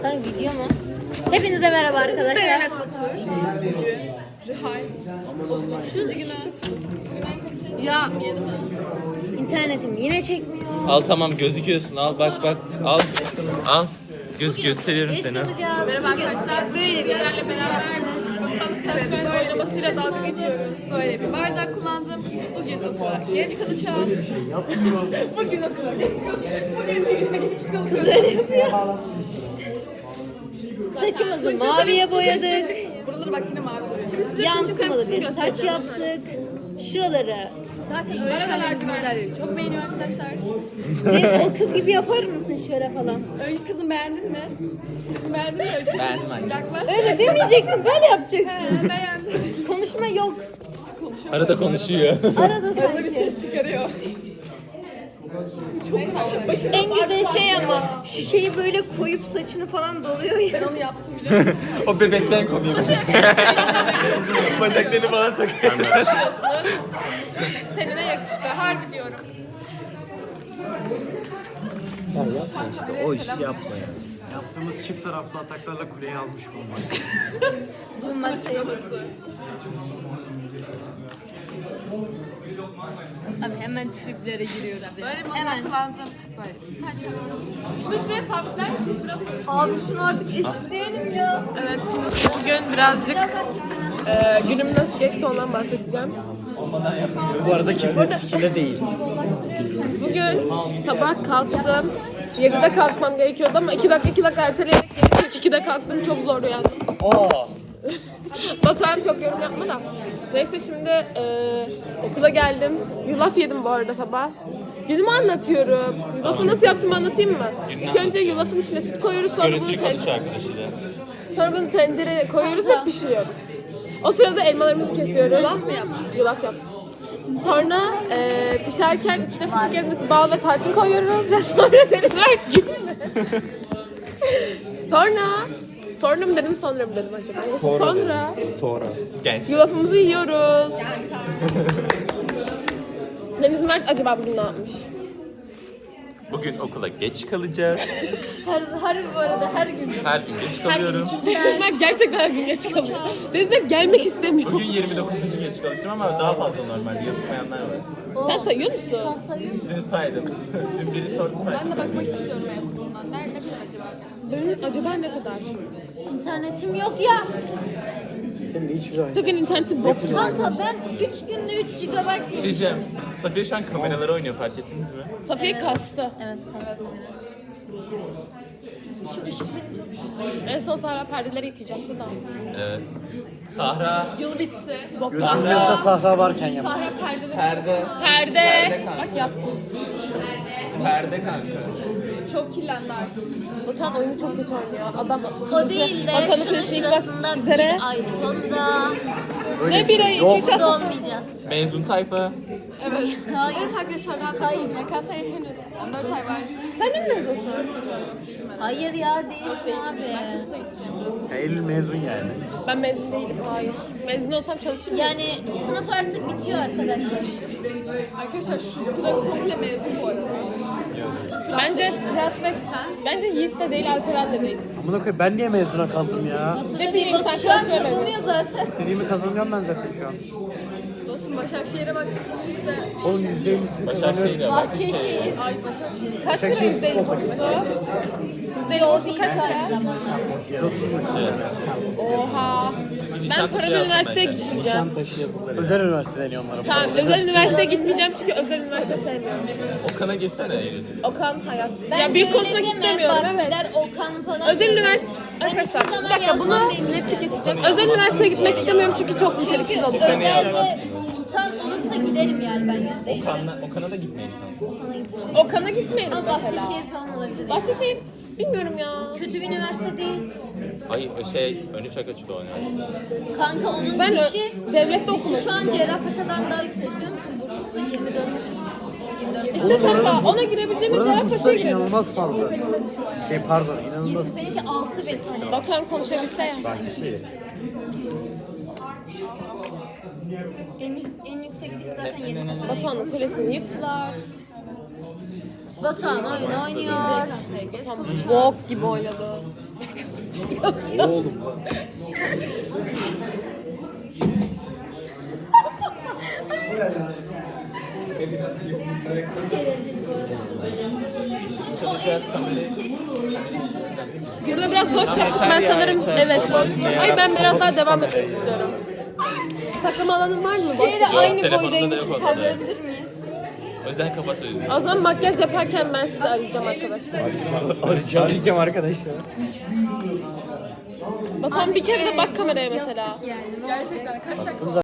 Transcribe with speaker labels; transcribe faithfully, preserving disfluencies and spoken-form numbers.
Speaker 1: Kanka video mu? Hepinize merhaba arkadaşlar.
Speaker 2: Enes Batur. Bugün Rihal. Üçüncü günü. Ya.
Speaker 1: İnternetim yine çekmiyor.
Speaker 3: Al tamam gözüküyorsun al bak bak al al göz gösteriyorum
Speaker 1: Geç
Speaker 3: seni.
Speaker 1: kalacağız.
Speaker 2: Merhaba arkadaşlar.
Speaker 1: Böyle bir
Speaker 2: Sizlerle beraber evet, böyle oynamasıyla dalga geçiyoruz. Böyle bir bardak kullandım. Bugün okula geç kalacağız. Bugün okula geç kalacağız. Bugün düğüne geç kalacağız.
Speaker 1: Böyle yapıyor. Saçımızı maviye boyadık.
Speaker 2: Buraları bak yine mavi duruyor. Şimdi size
Speaker 1: Yansımalı bir saç yaptık. Şuraları.
Speaker 2: Zaten öğretmenler modelleri çok beğeniyor arkadaşlar.
Speaker 1: Neyse o kız gibi yapar mısın şöyle falan?
Speaker 2: Öykü kızım beğendin mi? Saçını beğendin mi Öykü?
Speaker 3: Beğendim anne.
Speaker 2: Yaklaş.
Speaker 1: Öyle demeyeceksin, böyle yapacaksın.
Speaker 2: He beğendim.
Speaker 1: Konuşma yok.
Speaker 2: Konuşuyor.
Speaker 3: Arada konuşuyor.
Speaker 1: Arada
Speaker 2: Arada bir
Speaker 1: sanki.
Speaker 2: ses çıkarıyor. Çok tatlı.
Speaker 1: En güzel şey ama şişeyi böyle koyup saçını falan doluyor ya.
Speaker 2: Ben onu yaptım biliyor musun?
Speaker 3: O bebekten konuyor. Bacaklarını falan takıyor.
Speaker 2: Tenine yakıştı. Harbi diyorum.
Speaker 3: O işi yapma ya.
Speaker 4: Yaptığımız çift taraflı ataklarla kuleyi almış bulunmak.
Speaker 1: Bulmaktayız. Abi hemen triplere giriyoruz ya.
Speaker 2: Böyle bir
Speaker 1: Hemen.
Speaker 2: hemen kullandım. Böyle bir saç yaptım. Şunu şuraya sabitler misin? Biraz...
Speaker 1: Abi şunu artık eşitleyelim ya.
Speaker 5: Evet, şimdi bugün birazcık e, günüm nasıl geçti ondan bahsedeceğim.
Speaker 4: Bu arada kimse sikile değil.
Speaker 5: Bugün sabah kalktım. yedide kalkmam gerekiyordu ama iki dakika iki dakika erteleyerek kırk ikide kalktım. Çok zor uyandım. Batuhan çok yorum yapma da. Neyse şimdi e, okula geldim. Yulaf yedim bu arada sabah. Günümü anlatıyorum. Yulafı nasıl yaptığımı anlatayım mı? İlk önce yulafın içine süt koyuyoruz. Sonra bunu,
Speaker 3: Görüntülü
Speaker 5: ten-
Speaker 3: konuş arkadaşıyla.
Speaker 5: sonra bunu tencereye koyuyoruz ve pişiriyoruz. O sırada elmalarımızı kesiyoruz. Yulaf mı yaptın? Yulaf yaptım. Sonra e, pişerken içine fıstık ezmesi, bal ve tarçın koyuyoruz ve sonra deniz gibi. Sonra sonra mı dedim sonra mı dedim acaba? Neyse, sonra
Speaker 3: Sonra. Genç.
Speaker 5: yulafımızı yiyoruz. Deniz Mert acaba bugün ne yapmış?
Speaker 3: Bugün okula geç kalacağız.
Speaker 1: Her, harbi bu arada her gün.
Speaker 3: Her gün geç kalıyorum.
Speaker 5: Deniz Mert gerçekten her gün geç kalıyor. Deniz Mert gelmek istemiyor.
Speaker 3: Bugün yirmi dokuzuncu geç çalıştım ama daha fazla normalde yazmayanlar var.
Speaker 5: Sen sayıyor musun?
Speaker 1: Sayıyor musun?
Speaker 3: Dün saydım. Dün biri sordu saydım.
Speaker 2: Ben de bakmak istiyorum e-okulundan. Nerede ne kadar acaba?
Speaker 5: Benim acaba ne kadar?
Speaker 1: İnternetim yok ya.
Speaker 4: Senin de hiçbir zaman.
Speaker 5: Sefin interneti bok gibi.
Speaker 1: Kanka ben üç günde üç gigabayt
Speaker 3: Bir şey diyeceğim. Safiye şu an kameralara oynuyor fark ettiniz mi?
Speaker 5: Safiye kastı.
Speaker 1: Evet. Evet. Şu ışık beni çok...
Speaker 5: En son Sahra perdeleri yıkayacaktı da.
Speaker 3: Evet. Sahra.
Speaker 2: Yıl bitti.
Speaker 4: Götürmüyorsa sahra varken yap.
Speaker 2: Sahra perdede
Speaker 3: Perde.
Speaker 5: Perde. Bak yaptım.
Speaker 3: Perde kanka.
Speaker 2: çok kirlendi artık.
Speaker 5: Batuhan oyunu çok kötü oynuyor. Adam
Speaker 1: O değil de
Speaker 5: Batuhan'ın
Speaker 1: şunun
Speaker 5: kulesi yıkmak
Speaker 1: şurasında
Speaker 5: üzere.
Speaker 1: bir ay sonra
Speaker 4: Öyle
Speaker 5: Ne bir ay, iki üç hafta.
Speaker 1: dolmayacağız.
Speaker 3: Mezun tayfa.
Speaker 2: Evet.
Speaker 1: Hayır.
Speaker 2: Evet arkadaşlar rahat olun. Y K S'ye henüz on dört ay var.
Speaker 5: Sen de mi mezunsun?
Speaker 1: Hayır ya değilsin abi.
Speaker 2: Kısa gideceğim.
Speaker 4: Ya Eylül mezun yani.
Speaker 5: Ben mezun değilim. Hayır. Mezun olsam çalışır mıyım?
Speaker 1: Yani sınıf artık bitiyor arkadaşlar.
Speaker 2: Arkadaşlar şu sıra komple mezun bu arada.
Speaker 5: Bence Fırat ve bence Yiğit de değil, Alperen de değil.
Speaker 4: Amına koyayım ben niye mezuna kaldım ya?
Speaker 5: Ne bileyim, sen
Speaker 1: Batu şu an
Speaker 5: çalışıyor
Speaker 1: kazanıyor zaten.
Speaker 4: İstediğimi kazanıyorum ben zaten şu an.
Speaker 2: Dostum Başakşehir'e baktık işte.
Speaker 4: Oğlum yüzde ellisini
Speaker 3: Başakşehir'de
Speaker 4: kazanıyorum.
Speaker 3: var.
Speaker 1: Bahçeşehir.
Speaker 2: Ay Başakşehir.
Speaker 5: Kaç lira
Speaker 4: Başakşehir
Speaker 5: yüzdelik
Speaker 4: futbol
Speaker 5: oldu?
Speaker 1: Yo bir kaç ay zamanla.
Speaker 4: yüz otuzmuş.
Speaker 5: Oha. Ben paralı üniversiteye gitmeyeceğim.
Speaker 4: Özel üniversite deniyor onlara.
Speaker 5: Tamam, özel üniversiteye gitmeyeceğim çünkü özel üniversite sevmiyorum.
Speaker 3: Okan'a girsene Eylül.
Speaker 5: Okan hayat.
Speaker 1: Ben
Speaker 5: Ya büyük
Speaker 1: öyle
Speaker 5: konuşmak
Speaker 1: deme,
Speaker 5: istemiyorum,
Speaker 1: bak,
Speaker 5: evet.
Speaker 1: Der Okan falan.
Speaker 5: Özel
Speaker 1: dedi.
Speaker 5: üniversite...
Speaker 1: Ben
Speaker 5: Arkadaşlar
Speaker 1: hiçbir
Speaker 5: bir
Speaker 1: zaman
Speaker 5: dakika bunu
Speaker 1: yazmam demeyeceğim.
Speaker 5: netlik geçeceğim. Özel üniversiteye gitmek istemiyorum çünkü çok niteliksiz olduklarını düşünüyorum.
Speaker 1: Özelde tutan olursa giderim yani ben yüzde elli.
Speaker 3: Okan'la, Okan'a da gitmeyin şu an.
Speaker 1: Sana gitmem.
Speaker 5: Okan'a gitmeyelim
Speaker 1: Ama
Speaker 5: mesela.
Speaker 1: Bahçeşehir falan olabilir.
Speaker 5: Bahçeşehir bilmiyorum ya.
Speaker 1: Kötü bir üniversite değil.
Speaker 3: Ay şey önü çok açık o üniversite.
Speaker 1: Kanka onun
Speaker 5: Ben
Speaker 1: dışı,
Speaker 5: ö- devlette
Speaker 1: dışı
Speaker 5: okumak
Speaker 1: şu an
Speaker 5: istiyorum.
Speaker 1: Cerrahpaşa'dan daha yüksek biliyor musun? Bursa'da yirmi dört mi? yirmi dört.
Speaker 5: İşte kanka ona girebileceğim
Speaker 4: Buranın
Speaker 5: Cerrahpaşa'ya
Speaker 4: bursları
Speaker 5: girelim.
Speaker 4: inanılmaz fazla. Şey pardon inanılmaz.
Speaker 1: yirmi benimki altı bin. Hani
Speaker 5: Batuhan konuşabilse ya.
Speaker 4: Şey,
Speaker 1: en, en yüksek diş zaten yedi.
Speaker 5: Batuhan'ın kulesini yıktılar.
Speaker 1: Batuhan oyun oynuyor.
Speaker 5: Bok gibi oynadı. çalışıyoruz.
Speaker 4: Oğlum.
Speaker 5: Burada biraz boş yaptık. Ben sanırım evet. Ay ben biraz daha devam etmek istiyorum. Saklama alanın var mı? Boş
Speaker 1: Şeyle
Speaker 5: yapayım.
Speaker 1: aynı
Speaker 3: Telefonda da
Speaker 1: boydaymış.
Speaker 3: yok orada.
Speaker 1: Kaldırabilir miyiz?
Speaker 3: O yüzden kapatıyoruz.
Speaker 5: O zaman makyaj yaparken ben sizi arayacağım arkadaşlar.
Speaker 4: Arayacağım arkadaşlar.
Speaker 5: Batuhan bir kere de bak kameraya mesela.
Speaker 1: Yani.
Speaker 2: Gerçekten kaç dakika oldu?